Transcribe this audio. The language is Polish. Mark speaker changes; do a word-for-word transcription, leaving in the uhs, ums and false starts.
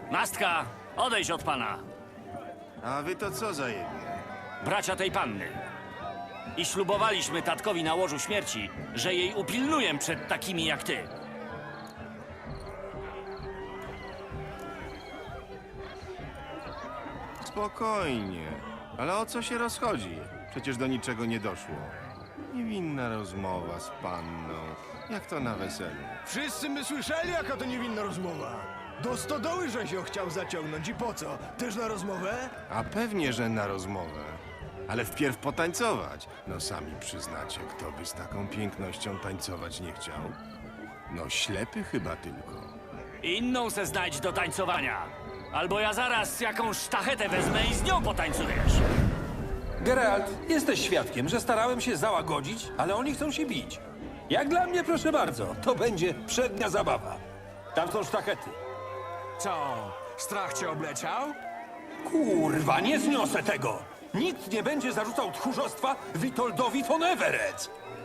Speaker 1: Nastka, odejdź od pana.
Speaker 2: A wy to co za jebie?
Speaker 1: Bracia tej panny. I ślubowaliśmy tatkowi na łożu śmierci, że jej upilnuję przed takimi jak ty.
Speaker 2: Spokojnie. Ale o co się rozchodzi? Przecież do niczego nie doszło. Niewinna rozmowa z panną. Jak to na weselu?
Speaker 3: Wszyscy my słyszeli, jaka to niewinna rozmowa. Do stodoły, że się chciał zaciągnąć i po co? Też na rozmowę?
Speaker 2: A pewnie, że na rozmowę. Ale wpierw potańcować. No sami przyznacie, kto by z taką pięknością tańcować nie chciał. No ślepy chyba tylko.
Speaker 1: Inną se znajdź do tańcowania. Albo ja zaraz jakąś sztachetę wezmę i z nią potańcujesz.
Speaker 4: Geralt, jesteś świadkiem, że starałem się załagodzić, ale oni chcą się bić. Jak dla mnie, proszę bardzo, to będzie przednia zabawa. Tam są sztachety.
Speaker 5: Co? Strach cię obleciał?
Speaker 4: Kurwa, nie zniosę tego! Nikt nie będzie zarzucał tchórzostwa Witoldowi von Everett!